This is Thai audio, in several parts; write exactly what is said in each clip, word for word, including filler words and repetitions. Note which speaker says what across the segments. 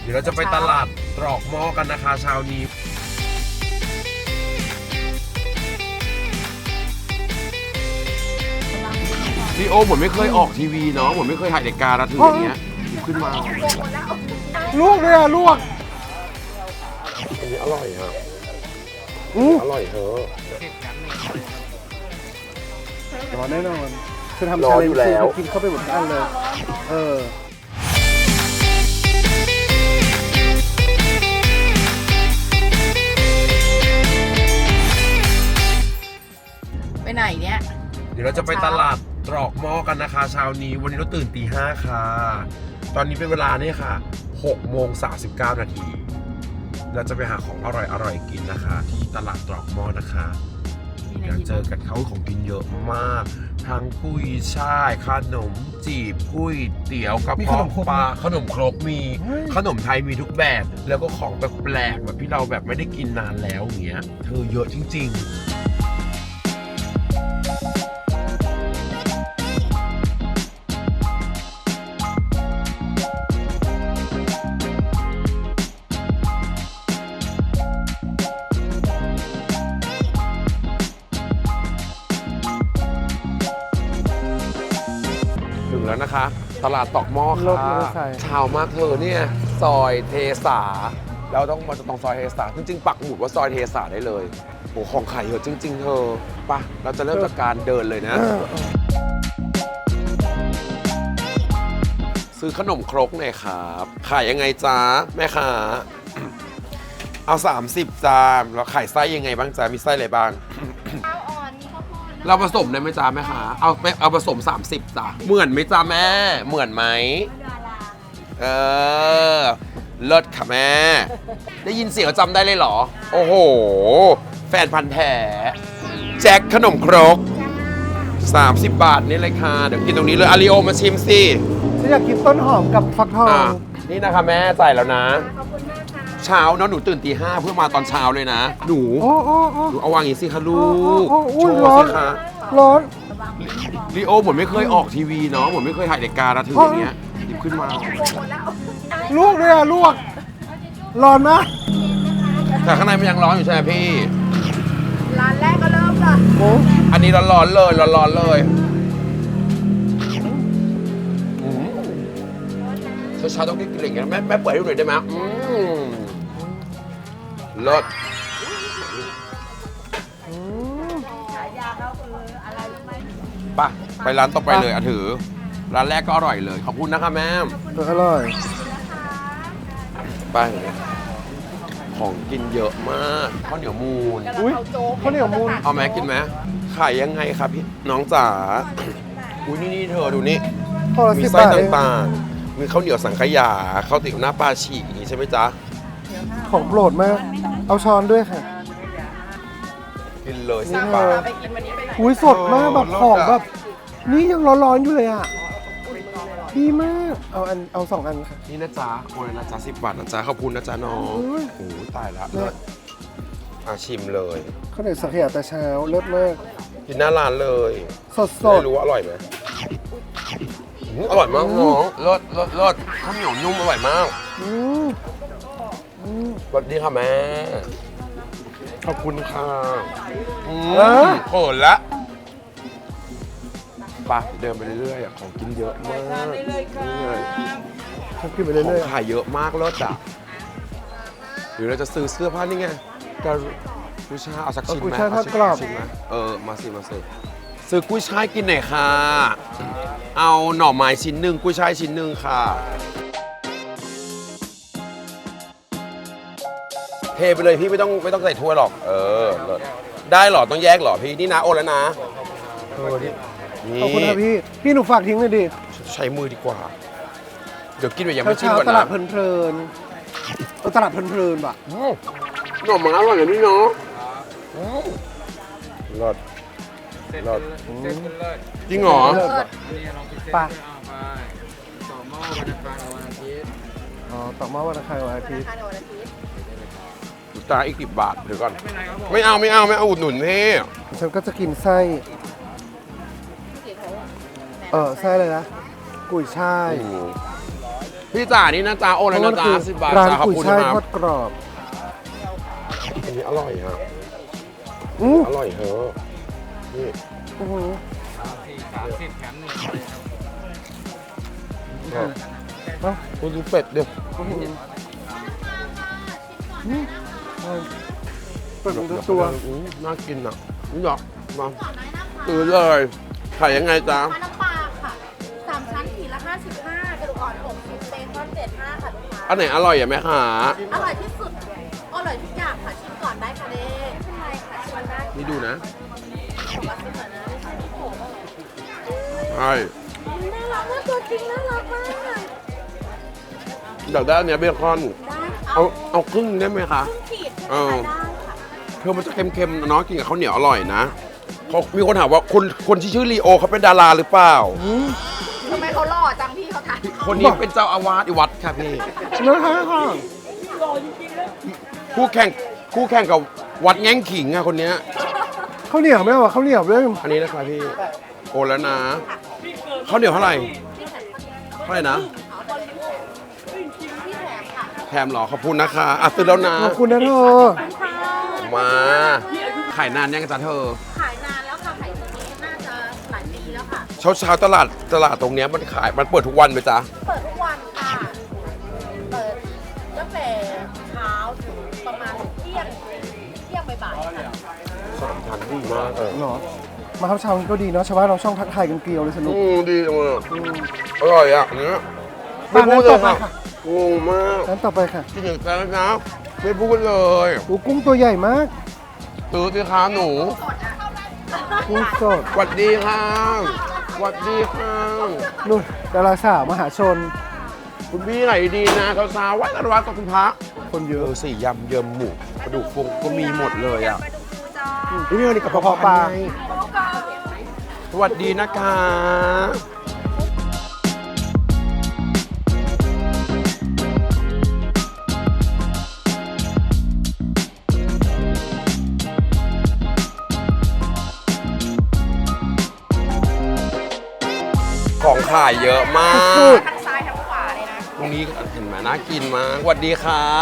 Speaker 1: เดี๋ยวเราจะไปตลาดตรอกหม้อกันนะคะเช้านี้พี่โอเหมือนไม่เคยออกทีวีเนาะเหมือนไม่เคยถ่ายรายการแล้วถึงอย่างเงี้ยขึ้นมา
Speaker 2: ลวกเลยอะลวก
Speaker 1: อันนี้อร่อยฮะอร่อยเหรอ
Speaker 2: ร้อนแน่นอนคือทำชาเลนจ์คือกินเข้าไปหมดอันเลยเออ
Speaker 3: ไปไหนเนี่ย
Speaker 1: เดี๋ยวเราจะไปตลาดตรอกหม้อกันนะคะเช้านี้วันนี้เราตื่นตีห้าค่ะตอนนี้เป็นเวลาเนี่ยค่ะหกโมงสามสิบเก้านาทีเราจะไปหาของอร่อยอร่อยกินนะคะที่ตลาดตรอกหม้อนะคะเดี๋ยวเจอกันเขาของกินเยอะมากทั้งกุ้ยช่ายขนมจีบกุ้ยเตี๋ยวกระเพาะปลาขนมครกมีขนมไทยมีทุกแบบแล้วก็ของแปลกๆแบบที่เราแบบไม่ได้กินนานแล้วอย่างเงี้ยเธอเยอะจริงๆถึงแล้วนะคะตลาดตอกหม้อค่ะชาวมากเธอเนี่ยซอยเทสาเราต้องมาตรงซอยเทสาจริงๆปักหมุดว่าซอยเทสาได้เลยโอ้ของขายเยอะจริงๆเธอปะเราจะเริ่มจากการเดินเลยนะซื้อขนมครกหน่อยครับขายยังไงจ้าแม่ค้าเอาสามสิบจานแล้วขายไส้ยังไงบ้างจ้ามีไส้อะไรบ้างเราผสมได้ไหมจ้าแม่คะเอาไปเอาผสมสามสิบจ้าเหมือนไหมจ้าแม่เหมือนไหมเออเลิศค่ะแม่ได้ยินเสียงจำได้เลยเหรอโอ้โหแฟนพันธ์แท้แจ็คขนมครกสามสิบบาทนี่เลยค่ะเดี๋ยวกินตรงนี้เลยอาริโอมาชิมสิ
Speaker 2: ฉันอยากกินต้นหอมกับฟักทอง
Speaker 1: นี่นะคะแม่จ่ายแล้วนะเช้าเนาะหนูตื่นตีห้าเพื่อมาตอนเช้าเลยนะหนูหนูเอาวางอย่างนี้สิคะลูกโชว์สิคะ
Speaker 2: ร้อน
Speaker 1: ลีโอเหมือนไม่เคยออกทีวีเนาะเหมือนไม่เคยถ่ายรายการแล้วถึงอย่างเงี้ยหยิบขึ้นมา
Speaker 2: ลวกเลยอะลวกร้อนนะ
Speaker 1: แต่ข้างในมันยังร้อนอยู่ใช่ไหมพี่
Speaker 3: ร้านแรกก็เริ่มละ
Speaker 1: อันนี้ร้อนๆเลยร้อนๆเลยเช้าๆต้องกินอะไรอย่างเงี้ยแม่แม่เปิดให้ดูหน่อยได้ไหมอืมเลิศไปไปร้านต่อไปเลยอ่ะถือร้านแรกก็อร่อยเลยขอบคุณนะคะแม่
Speaker 2: อร่อย
Speaker 1: ไปของกินเยอะมากข้าวเหนียวมูน
Speaker 2: อุ้ยข้าวเหนียวมูน
Speaker 1: เอาไหมกินไหมขายยังไงครับพี่น้องจ๋าอุ้ยนี่นี่เธอดูนี่มีไส้ต่างๆมีข้าวเหนียวสังขยาข้าวติ๋วหน้าปลาฉีกอย่างนี้ใช่ไหมจ๊ะ
Speaker 2: ของโปรดมากเอาช้อนด้วยค่ะ
Speaker 1: กินเลยสิบบาท
Speaker 2: อุ้ยสดมากแบบของแบบนี่ยังร้อนๆอยู่เลยอ่ะดีมากเอาอันเอาสองอันค่ะ
Speaker 1: นี่นะจ๊ะโอ้ยนะจ๊ะสิบบาทนะจ๊ะขอบคุณนะจ๊ะน้องโอ้ตายละเลิศอาชิมเลย
Speaker 2: ข้าวเหนียวสังขยาแต่เช้าเลิศมาก
Speaker 1: กินหน้าร้านเลย
Speaker 2: สดๆ
Speaker 1: ไม่รู้ว่าอร่อยไหมอร่อยมากน้องเลิศเลิศเลิศข้าวเหนียวนุ่มอร่อยมากสวัสดีค่ะแม่ขอบคุณค่ะเขินละไปเดินไปเรื่อยๆของกินเยอะมาก
Speaker 2: ของกินไปเรื่อย
Speaker 1: ๆขายเยอะมากเลิศอ่ะหรือเราจะซื้อเสื้อผ้านี่ไงกุ้ยช่ายเอาสักชิ้นไหม
Speaker 2: กุ้ยช่ายทอดกรอบ
Speaker 1: เออมาสิมาสิซื้อกุ้ยช่ายกินหน่อยค่ะเอาหน่อไม้ชิ้นหนึ่งกุ้ยช่ายชิ้นหนึ่งค่ะเทไปเลยพี่ไม่ต้องไม่ต้องใส่ถ้วยหรอกเออได้หรอต้องแยกหรอพี่นี่นะโอนแล้วนะ
Speaker 2: ขอบคุณครับพี่พี่หนูฝากทิ้งเลยดิ
Speaker 1: ใช้มือดีกว่าเดี๋ยวกินแบบยังไม่ชิมก่อนนะ
Speaker 2: ตลาดเพลินๆตลาดเพลินๆป่ะ
Speaker 1: หน่อไม้อร่อยเลยนี่เนาะรสรสจริงเหรอ
Speaker 2: ป่ะต่อหม้อวันอังคารวันอาทิตย์อ๋อต่อหม้อวันอังคารวันอาทิตย์
Speaker 1: ตาอีกสิบบาทเดี๋ยวก่อนไม่เอาไม่เอาไม่เอาอุดหนุนพี่
Speaker 2: ฉันก็จะกินไส้เออไส้เลยนะกุยช่าย
Speaker 1: พี่จ๋านี่นะจ๊ะโอนแล้วนะจ๊ะสิบบาท
Speaker 2: ร้าน
Speaker 1: จ้าขอบ
Speaker 2: กุย
Speaker 1: คุณ
Speaker 2: ช่าย
Speaker 1: ครั
Speaker 2: ท
Speaker 1: บ
Speaker 2: อดกรอบ
Speaker 1: อันนี้อร่อยฮะ
Speaker 2: อู้
Speaker 1: อร่อยเหอะนี่
Speaker 2: อื้อหือ
Speaker 1: อ่ะ
Speaker 2: เอ้า
Speaker 1: คุณดูเป็ดเดี๋ยว
Speaker 2: อื้อหืออืมอร่อยเปิดของตัว
Speaker 1: อืมน่ากินอ่ะนี่หรอกมาซื้อเลยขายยังไงจ๊ะ
Speaker 3: ปลาน้ำปลาค่ะสามชั้นขีดละห้าสิบห้ากระดูกอ่อนหกสิบเบคอนเจ็ดห้าค่ะลูกค้า
Speaker 1: อันไหนอร่อยอ่ะแม่ค้า
Speaker 3: อร่อยที่สุด อร่อยทุกอย่างค่ะชิมก่อนได้ค่ะเด้ขึ้นไลน์ค่ะชิมได้
Speaker 1: นี่ดูนะ
Speaker 3: บอกว่าชิมก่อนนะไม่ใช่ที่โผล่
Speaker 1: ใช่
Speaker 3: น่ารักมากตัวจริงน่ารักมาก
Speaker 1: อยากได้อันเนี้ยเบคอน
Speaker 3: ได้
Speaker 1: เอาเอาครึ่งได้ไหมคะ
Speaker 3: ครึ่งขีด
Speaker 1: เออ
Speaker 3: ได้ค่ะ
Speaker 1: เธอมันจะเค็มๆเนาะกินกับข้าวเหนียวอร่อยนะเขามีคนถามว่าคนคนที่ชื่อลีโอเขาเป็นดาราหรือเปล่า
Speaker 3: ทำไมเขาหล่อจังพี่เขาถ่าย
Speaker 1: คนนี้เป็นเจ้าอาวาสอีวัดค่ะพี่
Speaker 2: นะคะค่ะ
Speaker 1: คู่แข่งคู่แข่งกับวัดแง่งขิงอะคนเนี้ย
Speaker 2: ข้าวเหนียวไม่เอาอะข้าวเหนียวด้วย
Speaker 1: อันนี้นะครับพี่โอนแล้วนะข้าวเหนียวเท่าไหร่เท่าไหร่นะ
Speaker 3: พี่แถมค่ะ
Speaker 1: แถมเหรอขอบคุณนะคะอ่ะซื้อแล้วนะ
Speaker 2: ขอบคุณนะเธอ
Speaker 1: มาขายนานยังจ๊ะเธอ
Speaker 3: ขายนานแล้วค่ะขายตรงนี้น่าจะหลายปีแล้วค่ะ
Speaker 1: เช้าเช้าๆตลาดตลาดตรงเนี้ยมันขายมันเปิดทุกวันไหมจ๊ะ
Speaker 3: เปิดทุกวันค่ะ เปิดตั้งแต่เช้าถึงประมาณเที่ยงเที่ยงบ่ายๆค่ะ
Speaker 1: สามชั้นดีมากเลย
Speaker 2: เหรอ มาครับเช้านี้ก็ดีเนาะชาวบ้านเราช่องทักทายกันเกลียวเลยสนุก
Speaker 1: อืมดีจังเลยอร่อยอ่ะเนี้ย
Speaker 2: ร้านนั้นต่อไป
Speaker 1: ค่ะ
Speaker 2: ค่ะ
Speaker 1: งงมาก
Speaker 2: ร้านต่อไปค่ะ
Speaker 1: กินอย่างแซ่บนะไม่พูดเลย
Speaker 2: โอ้กุ้งตัวใหญ่มาก
Speaker 1: ซื้อสิคะหนู
Speaker 2: กุ้งสด
Speaker 1: สวัสดีค่ะสวัสดีค่ะ
Speaker 2: นู่นดาราสาวมหาชน
Speaker 1: คุณพี่ไหนดีนะสาวๆวัดอนุวัฒน์กับคุณพระ
Speaker 2: คนเย
Speaker 1: เอ
Speaker 2: อะ
Speaker 1: อสี่ยำเยิมหมูกระดูกฟงก็มีหมดเลยอ่ะ
Speaker 3: มาดูจ้า
Speaker 1: นี่นี่กระเพาะปลาสวัสดีนะคะของขายเยอะมาก
Speaker 3: ทั้งซ้ายทั้งขวาเลยนะ
Speaker 1: ตรงนี้เห็นไหมน่ากินมากสวัสดีครับ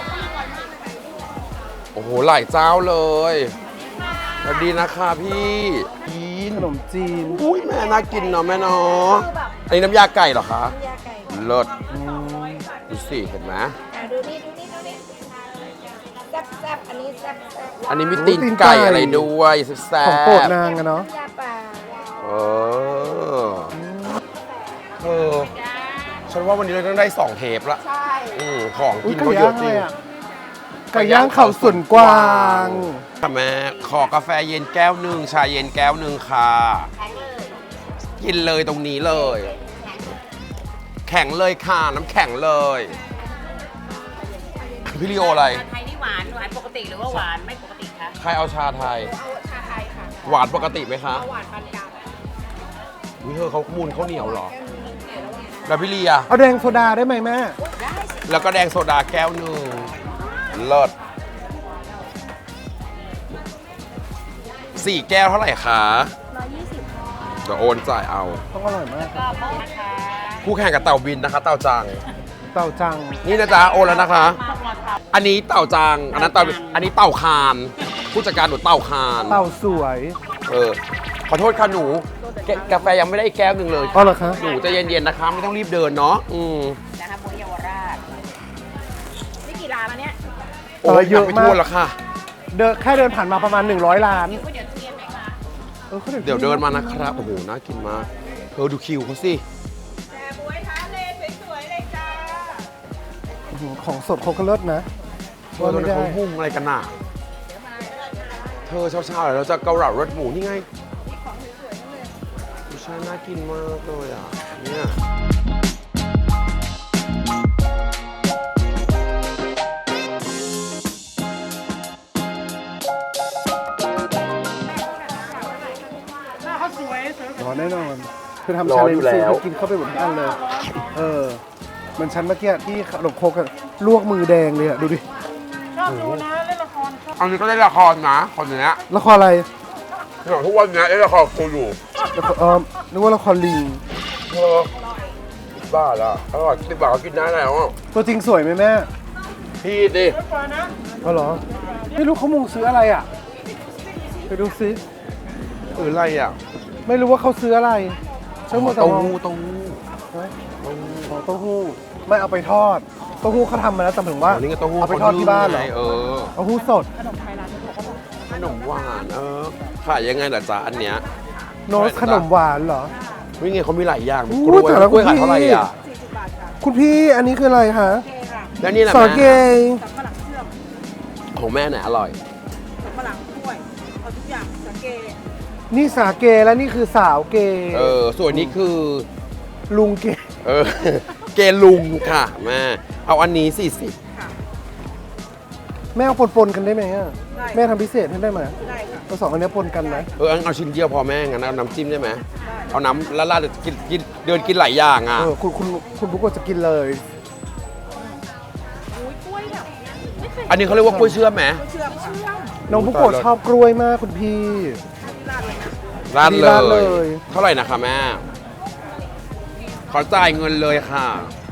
Speaker 1: โอ้โห หลายเจ้าเลยสวัสดีนะคะพี่กิน
Speaker 2: ขนมจีน
Speaker 1: อุ้ยแม่น่ากินเนาะแม่เนาะอันนี้น้ำยาไก่เหรอคะ
Speaker 3: ยาไก่
Speaker 1: เลิศดูสิเห็นไหม
Speaker 3: อ่ะดูนี่ดูนี่ดูนี่แซ่บแซ่บอันนี้แซ่บแซ่บ
Speaker 1: อันนี้มีตีนไก่อะไรด้วยแซ่บ
Speaker 2: ของโปรดนางอะเนาะ
Speaker 3: ยาป่า
Speaker 1: เออเออฉันว่าวันนี้เราต้องได้สองเทปละ
Speaker 3: ใช่
Speaker 1: อืมของ
Speaker 2: อุ้
Speaker 1: กิ
Speaker 2: ย
Speaker 1: น
Speaker 2: ไก่
Speaker 1: เขาเย
Speaker 2: ย่า
Speaker 1: อะ
Speaker 2: ง
Speaker 1: จ
Speaker 2: อะ
Speaker 1: ริ
Speaker 2: ไรง อะไก่ย่างเขาส่วนกวาง
Speaker 1: ค่ะแม่ขอกาแฟเย็นแก้วหนึ่งชาเย็นแก้วหนึ่งค่ะ
Speaker 3: แข็งเลย
Speaker 1: กินเลยตรงนี้เลย แข็งเลยค่ะ น้ำแข็งเลย พี่ลีโออะไร
Speaker 4: ชาไทยนี่หวานหวานปกติหรือว่าหวานไม่ปกติคะ
Speaker 1: ใครเอาชาไทย
Speaker 3: เอาชาไทยค่ะ
Speaker 1: หวานปกติไหมคะ
Speaker 3: เอาหวานปานกลาง
Speaker 1: วิเธอเขามูลข้าวเหนียวเหรอ แล้วพี่ลีอะ
Speaker 2: เอาแดงโซดาได้ไหมแม่
Speaker 1: แล้วก็แดงโซดาแก้วหนึ่งเลิศสี่แก้วเท่าไหร่คะ
Speaker 3: ร้อยยี่สิบ
Speaker 1: เดี๋ยวโอนจ่ายเอา
Speaker 2: ต้องอร่อยมาก
Speaker 4: ก็โป๊ะนะคะ
Speaker 1: คู่แข่งกับเต่าบินนะคะ เต่าจัง
Speaker 2: เต่าจัง
Speaker 1: นี่นะจ๊ะโอนแล้วนะคะ
Speaker 4: มากราคา
Speaker 1: อันนี้เต่าจัง อันนั้นเต่า อันนี้เต่าคาน ผู้จัดการหนูเต่าคาน
Speaker 2: เต่าสวย
Speaker 1: เออ ขอโทษค่ะหนูแกกาแฟยังไม่ได้อีกแก้วหนึ่งเลย
Speaker 2: อ๋อเหรอคะ
Speaker 1: หนูใจะเย็นๆนะคะ ไม่ต้องรีบเดินเนาะ อืม
Speaker 4: นะคะโมเยาวราช
Speaker 3: นี่กี่ร้านแล้วเนี่ย
Speaker 1: โอ้ยยังไม่ทั่วแล้วค่ะ
Speaker 2: เดินแค่เดินผ่านมาประมาณหนึ่งร้อยล้าน
Speaker 4: ก๋วยเตี๋ยวทุเรียนไหมคะ
Speaker 2: เออขา
Speaker 1: เดี๋ยวเดินมานะครับ โอ้โห น่ากินมากเธอดูคิวเขาสิ
Speaker 3: แต่บวยท้าเลสวยๆเลยจ้า
Speaker 2: อื้อหือของสดเขาก็เลิศนะ
Speaker 1: เธ
Speaker 2: ว่า
Speaker 1: อตอน
Speaker 2: ไม่
Speaker 1: นั้น
Speaker 2: ได้
Speaker 1: เขาหุ้งอะไรกันน่ะ เธอเช้าๆเดี๋ยวเราจะเกาเหลารสหมูนี่ไงไม่ใช่น่ากินมากเลยอ่ะ เนี่ย
Speaker 2: ร้อนแน่นอนคือทำ
Speaker 1: ร้
Speaker 2: ชา
Speaker 1: อน
Speaker 2: เล
Speaker 1: อน ยู่
Speaker 2: จ์
Speaker 1: แล้ว
Speaker 2: คือกินเข้าไปหมดทั้งอันเลย เออเหมือนฉันเมื่อกี้ที่ขนมโครกอะลวกมือแดงเลยอะดูดิ
Speaker 1: อันนี้ก็ได้ละครนะคนเนี้ย
Speaker 2: ละครอะไร
Speaker 1: อย่างทุกวันเนี้ยได้ละครกูอยู่
Speaker 2: ละครเออนึกว่าละครลิง
Speaker 1: เธอบบาทอะอร่อยสิบบาทก็กินได้แล้วอะ
Speaker 2: ตัวจริงสวยไหมแม่
Speaker 1: พี่ดิ
Speaker 2: ก็เหรอ ไม่รู้เขามุงซื้ออะไรอ่ะ ไปดูซิ
Speaker 1: เอออะไรอะ
Speaker 2: ไม่รู้ว่าเขาซื้ออะไรช่างหมดแต่
Speaker 1: เต้าม
Speaker 2: อง
Speaker 1: หู้เต้าหู้
Speaker 2: ฮะอ๋อเต้าหู้ ไม่เอาไปทอด เต้าหู้เขาทำมาแล้วแต่ถึงว่า
Speaker 1: อันนี้ก็เต้าหู้
Speaker 2: เอาไปทอดที่บ้านเหรอ
Speaker 1: เออ
Speaker 2: เต้าหู้สด
Speaker 1: ขนมหวานเออขายยังไงล่ะจ๊ะอันเนี้ย
Speaker 2: โนสขนมหวานเหรอ
Speaker 1: วิ่งไงเขามีหลายอย่างมี
Speaker 2: อู้
Speaker 1: กล้วย
Speaker 2: แต่ละ
Speaker 1: กล้วย
Speaker 2: คุณ
Speaker 1: ขายเท่าไหร่
Speaker 2: พี่
Speaker 1: อ่ะ
Speaker 2: คุณพี่อันนี้คืออะไรคะ
Speaker 1: แล้วนี่แหละ
Speaker 2: สา
Speaker 1: แม่
Speaker 2: เก
Speaker 1: ของแม่ไหนอร่อย
Speaker 3: ฝรั่งด้วยเอาทุกอย่างสังเกต
Speaker 2: นี่สาเกแล้วนี่คือสาวเก
Speaker 1: เออส่วนนี้คือ
Speaker 2: ลุงเก
Speaker 1: เออ เกลุงค่ะแม่เอาอันนี้สี่สิบ
Speaker 2: แม่เอาปนๆกันได้ไหมอะแม่ทำพิเศษให้ได้ไหม
Speaker 3: ได้ค่ะ
Speaker 2: เอาสองอันเนี้ยปนกันไหม
Speaker 1: เอออันเอาชิ้นเดียวพอแม่งั้นเอาน้ำจิ้มได้ไหมเอาน้ำละลาดกินกินเดินกินหลายอย่างอ่ะ
Speaker 2: เออคุณคุณคุณบุ๊กก็จะกินเลย
Speaker 3: อุ้ยกล้วยแบบไม่เคย
Speaker 1: อันนี้เขาเรียกว่ากล้วยเชื่อมไหม
Speaker 3: เชื่อมเชื่อม
Speaker 2: น้องบุ๊กโกะชอบกล้วยมากคุณพี่
Speaker 3: ราดเลยนะ
Speaker 1: ราด
Speaker 2: ราด
Speaker 1: เล
Speaker 2: เลย ย
Speaker 1: เท่าไหร่นะคะแม่ขอจ่ายเงินเลยค่ะ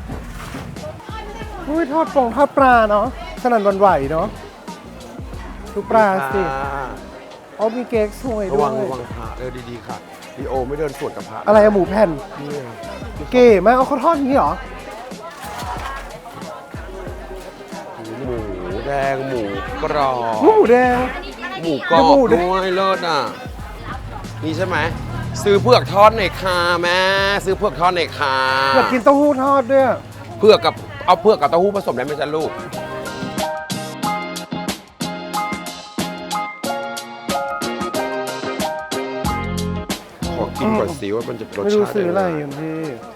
Speaker 2: อุ้ยทอดปองทอดปลาเนาะสนั่นหวันไหวเนาะดูปลาสิเอามีเค้กสวย
Speaker 1: ระ
Speaker 2: ด้ว
Speaker 1: วัง
Speaker 2: ย
Speaker 1: ระวังพระเออดีๆค่ะดีโอไม่เดินสวนกับพระ
Speaker 2: อะไรอะหมูแผ่น
Speaker 1: เนี่ย
Speaker 2: เก๋มากเอาเขาทอดอย่างนี้เหรอ
Speaker 1: หมูแดงหมูกรอบ
Speaker 2: หมูแดง
Speaker 1: หมูกรอบ
Speaker 2: หมูแดง
Speaker 1: ด้วยเลิศอ่ะนี่ใช่ไหมซื้อเผือกทอดหน่อยค่ะแม่ซื้อเผือกทอดหน่อยค่ะ
Speaker 2: อยากกินเต้าหู้ทอดด้วย
Speaker 1: เผือกกับเอาเผือกกับเต้าหู้ผสมได้ไหมจ๊ะลูกขอกินก่อนสิว่ามันจะรส
Speaker 2: ไม่รู้
Speaker 1: ชาติ
Speaker 2: ซื้ออะไร
Speaker 1: ยั
Speaker 2: อง
Speaker 1: ไง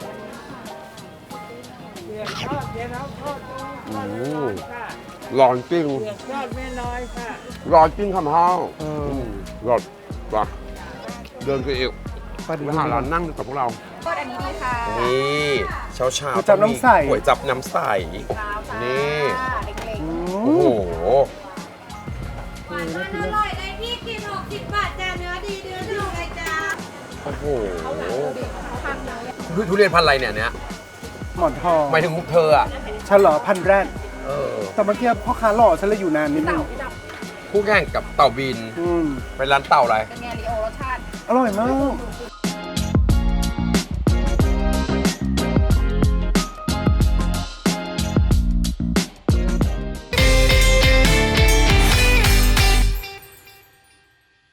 Speaker 2: ย่างพี่
Speaker 1: อืมร้อนจริงร้อนจริงคำห้าว
Speaker 2: เออ
Speaker 1: มร้อนว่ะเดินไปอีก
Speaker 2: ปลาดี
Speaker 1: ไปหาร้านนั่งกับพวกเรา
Speaker 4: ก็อันนี้ดีค่ะ
Speaker 1: นี่เช้าเช้า
Speaker 2: ก๋วยจั๊บน้ำใส
Speaker 1: ก๋วยจับน้ำใส นี่
Speaker 2: อื
Speaker 1: โอ้โห
Speaker 2: ม
Speaker 5: มันอร่อยเลยพี่กินหกสิบบาทจ้าเนื้อดีเนื้อดีเลยจ้า
Speaker 1: โอ้โหทุทุเรียนพันธุ์อะไรเนี่ยเนี้ย
Speaker 2: หมอนทอง
Speaker 1: หมายถึงเธออ่ะ
Speaker 2: ฉันเหรอพันแรด
Speaker 1: เออ
Speaker 2: แต่เมื่อกี้พ่อค้าหล่อฉันเลยอยู่นานนิดนึง
Speaker 1: คู่แข่งกับเต่าบิน
Speaker 2: อืม
Speaker 1: เป็นร้านเต่าอะไร
Speaker 4: เป็นไงลีโอรสชาติ
Speaker 2: อร่อยมาก